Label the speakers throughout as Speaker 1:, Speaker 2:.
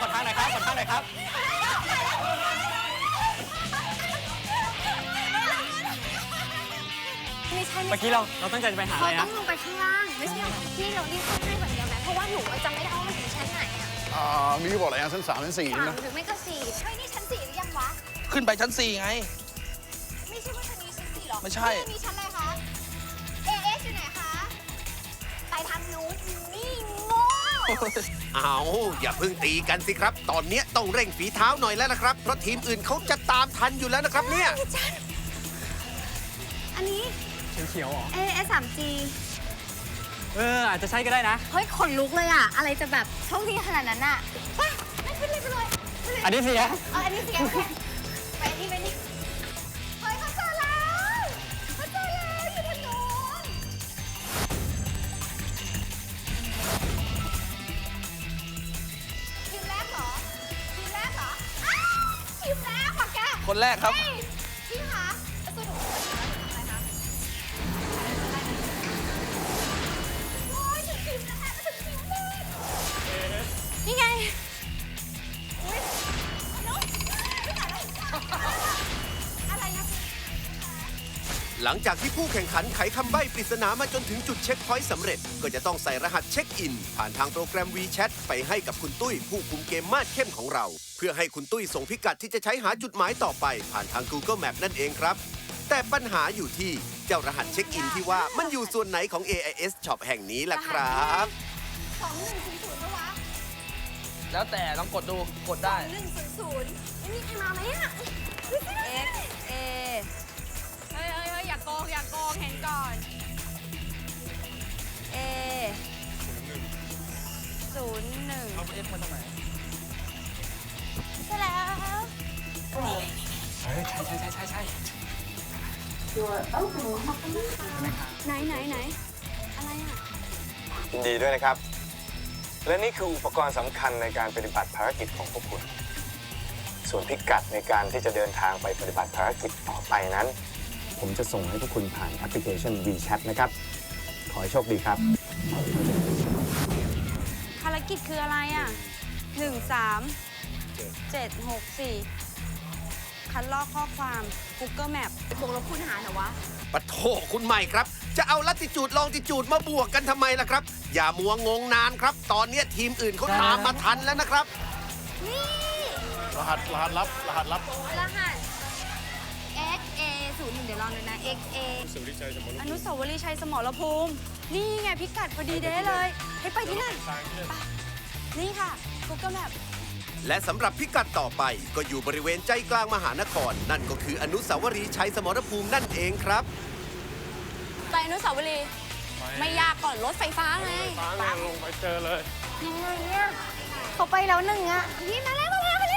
Speaker 1: ขอทางหน่อยครับขอทางหน่อยครับ
Speaker 2: ไม่ใช่
Speaker 1: เมื่อกี้เราตั้งใจจะไปหาอะไร
Speaker 2: เขาต้
Speaker 1: นะ
Speaker 2: องลงไปข้างล่างไม่ใช่ที่เรารีบขึ้นให้แบบเดียวไหมเพราะว่าหนูจำไม่ได้ว่ามันถึงชั้นไหนอะ
Speaker 3: มีบอกอะไรนะชั้น 3 ชั้น 4
Speaker 2: สาม
Speaker 3: นะ
Speaker 2: หรือไม่ก็สี่เฮ้ยนี่ชั้นสี่หรือยังวะ
Speaker 4: ขึ้นไปชั้น 4 ไง
Speaker 2: ไม่ใช่ว่าชั้นนี้ชั้นสี่หรอ
Speaker 4: ไม่ใช่
Speaker 2: นี่มีชั้นอะไรคะเอเอสอยู่ไหนคะไปทางนู้นนี่โง่
Speaker 5: เอาอย่าเพิ่งตีกันสิครับ ตอนเนี้ยต้องเร่งฝีเท้าหน่อยแล้วนะครับ เพราะทีมอื่นเขาจะตามทันอยู่แล้วนะครับเนี่ย
Speaker 2: อันนี้
Speaker 1: เขียวๆเหรอ
Speaker 2: AS 3G
Speaker 1: อาจจะใช่ก็ได้นะ
Speaker 2: เฮ้ยขนลุกเลยอะอะไรจะแบบโชคดีขนาดนั้นอะไปไม่ขึ้นเลยไปเลยไปเลย
Speaker 1: อันนี้เสีย
Speaker 2: อันนี้เสียไปอันนี้ไปนี่เฮ้ยเขาเจอแล้วเขาเจอแล้วอยู่ทางโน้นทีมแรกเหรอทีมแรกเหรออ้าวทีมแรกว่ะแก
Speaker 4: คนแรกครับ
Speaker 2: เฮ้ยพี่คะแล้วตัวหนูอะไรคะโอ้ยถึงทีมแล้วค่ะถึงทีมเลยนี่ไงอุ๊ยน้องไม่ถ่ายแล้วอะไรนะ
Speaker 5: หลังจากที่ผู้แข่งขันไขคำใบ้ปริศนามาจนถึงจุดเช็คพอยต์สำเร็จ ก็จะต้องใส่รหัสเช็คอิน ผ่านทางโปรแกรม WeChat ไปให้กับคุณตุ้ยผู้คุมเกมมาดเข้มของเรา เพื่อให้คุณตุ้ยส่งพิกัดที่จะใช้หาจุดหมายต่อไป ผ่านทาง Google Map นั่นเองครับ แต่ปัญหาอยู่ที่เจ้ารหัสเช็คอินที่ว่ามันอยู่ส่วนไหนของ AIS Shop แห่งนี้ล่ะครับ
Speaker 2: 2100ปะวะ
Speaker 4: แล้วแต่ลองกดดูกดได้
Speaker 2: 2100ไม่มีใครมาไหมอ่ะ
Speaker 6: X A เฮ้ยอย่าโกงเห็นก่อน A 01
Speaker 4: เอาเอฟมาทำไม
Speaker 2: ใช่แล้ว
Speaker 1: ใช่
Speaker 2: ไหนอะไรอ่ะ
Speaker 7: ยินดีด้วยนะครับ และนี่คืออุปกรณ์สำคัญในการปฏิบัติภารกิจของพวกคุณ ส่วนพิกัดในการที่จะเดินทางไปปฏิบัติภารกิจต่อไปนั้น ผมจะส่งให้พวกคุณผ่านแอปพลิเคชัน WeChat นะครับ ขอให้โชคดีครับ
Speaker 6: ภารกิจคืออะไรอ่ะ 13764 คัดลอกข้อความ Google Map
Speaker 2: บวกลบคูณหารเหรอวะ
Speaker 5: ปะโถคุณใหม่ครับ จะเอาลัติจูดลองติจูดมาบวกกันทำไมล่ะครับ อย่ามัวงงนานครับ ตอนเนี้ยทีมอื่นเขาตามมาทันแล้วนะครับ
Speaker 2: นี่
Speaker 3: รหัสลับ
Speaker 2: รหัส XA 01เดี๋ยวลองดูนะ XA
Speaker 6: อนุสาวรีย์ชัยสมรภูมิ นี่ไงพิกัดพอดีเด้เลย ให้ไปที่นั่นไปนี่ค่ะ Google Map
Speaker 5: และสำหรับพิกัดต่อไปก็อยู่บริเวณใจกลางมหานคร นั่นก็คืออนุสาวรีย์ชัยสมรภูมินั่นเองครับ
Speaker 6: ไปอนุสาวรีย์ไม่ยากก่อนรถไฟฟ้าไง
Speaker 3: ลงไปเจอเลย
Speaker 2: ยังไงเนี่ยเขาไปแล้วหนึ่งอ่ะนี่มาแล้ว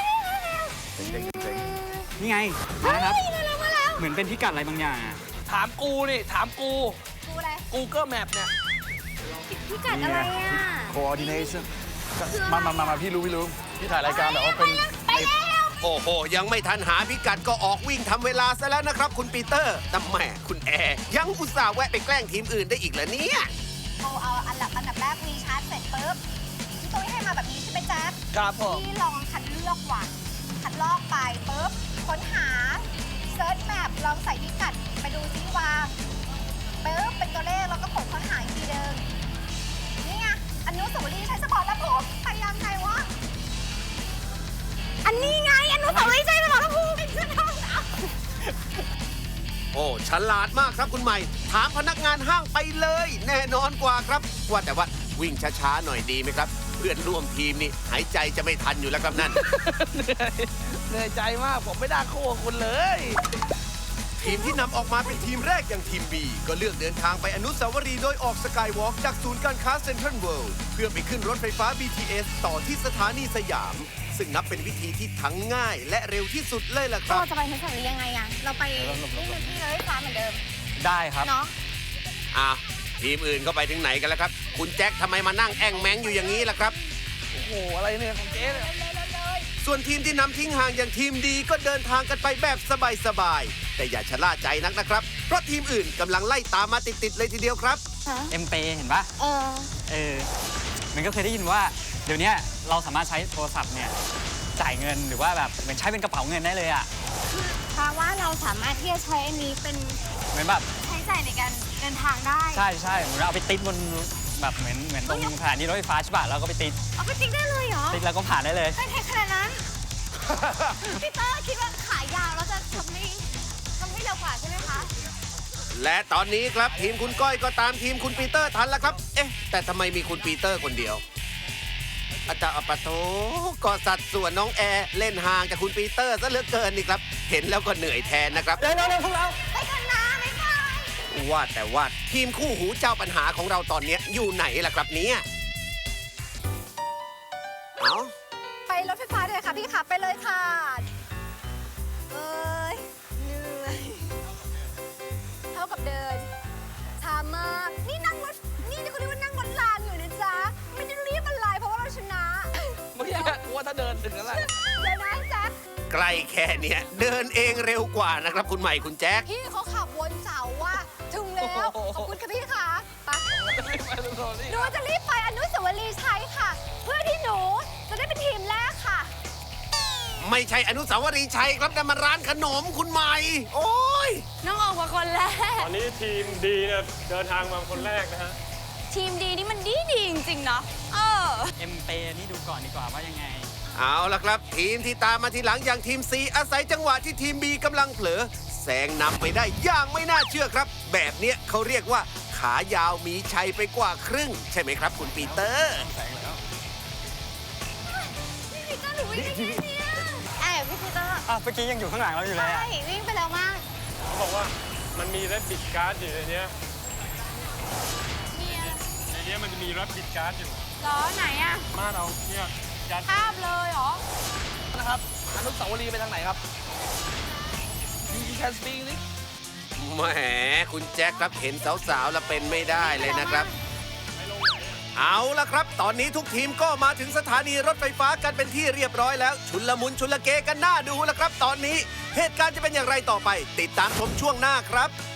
Speaker 1: นี่ไงมาแล้วครับ
Speaker 2: มาแล้ว
Speaker 1: เหมือนเป็นพิกัดอะไรบางอย่างอะ
Speaker 4: ถามกูนี่ ถามกู
Speaker 2: กูอะไร
Speaker 4: Google Map เนี่ย
Speaker 2: พิกัดอะไรอ่ะ
Speaker 3: coordination มาพี่รู้พี่ถ่ายรายการแบบว่าเป็น
Speaker 2: ไปแล้ว
Speaker 5: โอ้โห ยังไม่ทันหาพิกัดก็ออกวิ่งทำเวลาซะแล้วนะครับ คุณปีเตอร์แต่แหม่คุณแอร์ยังอุตส่าห์แวะไปแกล้งทีมอื่นได้อีกเหรอเนี่ย
Speaker 2: เอาอันดับแรกวีชาร์จเสร็จปุ๊บพี่ตุ้ยให้มาแบบนี้ใช่ไหมแจ๊ค
Speaker 4: ครับผม
Speaker 2: พี่ลองคัดเลือกว่ะคัดลอกไปปุ๊บค้นหาเซิร์ชแมปลองใส่พิกัดไปดูซิว่าปุ๊บเป็นตัวเลขแล้วก็กดค้นหาอีกทีเดิมนี่ไงอนุสาวรีย์ชัยสมรภูมิไปยังไงวะอันนี้ไงอนุสาวรีย์ชัยสมรภูมิเป็นเพื่อนห้องเอา
Speaker 5: โอ้ฉลาดมากครับคุณใหม่ ถามพนักงานห้างไปเลย แน่นอนกว่าครับ ว่าแต่ว่าวิ่งช้าๆหน่อยดีไหมครับ เพื่อนร่วมทีมนี่หายใจจะไม่ทันอยู่แล้วครับนั่น
Speaker 4: เหนื่อยใจมากผมไม่ได้คู่กับคุณเลย
Speaker 5: ทีมที่นำออกมาเป็นทีมแรกอย่างทีม B ก็เลือกเดินทางไปอนุสาวรีย์โดยออกสกายวอล์กจากศูนย์การค้าเซ็นทรัลเวิลด์เพื่อไปขึ้นรถไฟฟ้า BTS ต่อที่สถานีสยาม ซึ่งนับเป็นวิธีที่ทั้งง่ายและเร็วที่สุดเลยล่ะครับ
Speaker 2: เราจะไปเทสต์ยังไงอะเราไปนี่เลยฟ้าเหมือนเดิม
Speaker 1: ได้ครับ
Speaker 2: เนาะ
Speaker 5: อ้าวทีมอื่นก็ไปถึงไหนกันแล้วครับ คุณแจ็คทำไมมานั่งแอ่งแมงอยู่อย่างนี้ล่ะครับ
Speaker 4: โอ้โห อะไรเนี่ยของเจ๊เนี่ย
Speaker 5: ส่วนทีมที่นำทิ้งห่างอย่างทีมดีก็เดินทางกันไปแบบสบายๆแต่อย่าชะล่าใจนักนะครับ เพราะทีมอื่นกำลังไล่ตามมาติดๆเลยทีเดียวครับ
Speaker 1: เอ็มเปเห็นปะ
Speaker 2: เออ
Speaker 1: มันก็เคยได้ยินว่าเดี๋ยวนี้เราสามารถใช้โทรศัพท์เนี่ยจ่ายเงินหรือว่าแบบเหมือนใช้เป็นกระเป๋าเงินได้เลยอ่ะ
Speaker 2: เพราะว่าเราสามารถที่จะใช้อันนี้เป็น
Speaker 1: เหมือนแบบ
Speaker 2: ใช้จ่ายในการเดินทางได้
Speaker 1: ใช่ใช่เหมือนเอาไปติดบนแบบเหมือนตรงสถานีรถไฟฟ้าใช่ป่ะแล้วก็ไปติด
Speaker 2: เอาไปติ๊กได้เลยเหรอ
Speaker 1: ติดแล้วก็ผ่านได้เลย
Speaker 2: ไม่แพงขนาดนั้น พี่เตอร์คิดว่าขายาวแล้วจะทำให้เร็วกว่าใช่ไหมคะ
Speaker 5: และตอนนี้ครับทีมคุณก้อยก็ตามทีมคุณปีเตอร์ทันแล้วครับ เอ๊ะ แต่ทำไมมีคุณปีเตอร์คนเดียวอาจารย์อปะโถก็สัดส่วนน้องแอร์เล่นห่างจากคุณปีเตอร์ซะเหลือเกินนี่ครับ เห็นแล้วก็เหนื่อยแทนนะครับ
Speaker 1: เร็วพวกเรา
Speaker 2: ไปกันนะไม่ไป
Speaker 5: ว่าแต่ว่าทีมคู่หูเจ้าปัญหาของเราตอนนี้อยู่ไหนล่ะครับเนี่ยเอา
Speaker 2: ไปรถไฟฟ้าเลยค่ะพี่ค่ะไปเลยค่ะ เอ้ยเหนื่อยเท่ากับเดินช้ามากนี่นั่งรถนี่เขาเรียกว่านั่งรถรางอยู่นะจ๊ะไม่ได้รีบอะไรเพราะว่าเราชนะ
Speaker 4: เมื่อกี้กูว่าถ้าเดินถึงแล้วแหละ
Speaker 2: เดี๋ยวนะแจ๊ค
Speaker 5: ใกล้แค่เนี้ยเดินเองเร็วกว่านะครับคุณใหม่คุณแจ๊ค
Speaker 2: พี่เขาขับวนเสาว่าถึงแล้วขอบคุณค่ะพี่ค่ะไปหนูจะรีบไปอนุสาวรีย์ชัยค่ะ เพื่อที่หนูจะได้เป็นทีมแรกค่ะ
Speaker 5: ไม่ใช่อนุสาวรีย์ชัยครับแต่มันร้านขนมคุณใหม่ โอ้ย
Speaker 6: น้องออกมาคนแรก
Speaker 8: ตอนนี้ทีมดีเนี่ยเดินทางมาคนแรกนะฮะ
Speaker 6: ทีมดีนี่มันดีจริงๆเนาะ
Speaker 1: เอ็มเปนี่ดูก่อนดีกว่าว่ายังไง
Speaker 5: เอาละครับ ทีมที่ตามมาทีหลังอย่างทีม C อาศัยจังหวะที่ทีม B กำลังเผลอแซงนำไปได้อย่างไม่น่าเชื่อครับ แบบเนี้ยเขาเรียกว่าขายาวมีชัยไปกว่าครึ่ง ใช่ไหมครับคุณปีเตอร์
Speaker 2: พี่ปีเตอร์หนูวิ่งไปแค่เนี้ยพี่ปีเตอร์
Speaker 1: อ้าวเมื่อกี้ยังอยู่ข้างหลังเราอยู่เลย
Speaker 2: ใช่
Speaker 1: อะ
Speaker 2: วิ่งไปแล้วมาก
Speaker 8: เขาบอกว่ามันมีแรปปิดการ์ดอยู่ในเนี้ย
Speaker 2: เนี่ย
Speaker 8: ในเนี้ยมันจะมีแรปปิดการ์ดอยู่
Speaker 6: ล้อไหนอะ
Speaker 8: มาเอาเนี่ยยัด
Speaker 6: ภาพเลยเหรอ
Speaker 4: นะครับ อนุสาวรีย์ไปทางไหนครับ You can speak English
Speaker 5: แหมคุณแจ็คครับเห็นสาวๆแล้วเป็นไม่ได้เลยนะครับ เอาละครับ ตอนนี้ทุกทีมก็มาถึงสถานีรถไฟฟ้ากันเป็นที่เรียบร้อยแล้ว ชุนละมุนชุนละเกกันหน้าดูแล้วครับ ตอนนี้เหตุการณ์จะเป็นอย่างไรต่อไป ติดตามชมช่วงหน้าครับ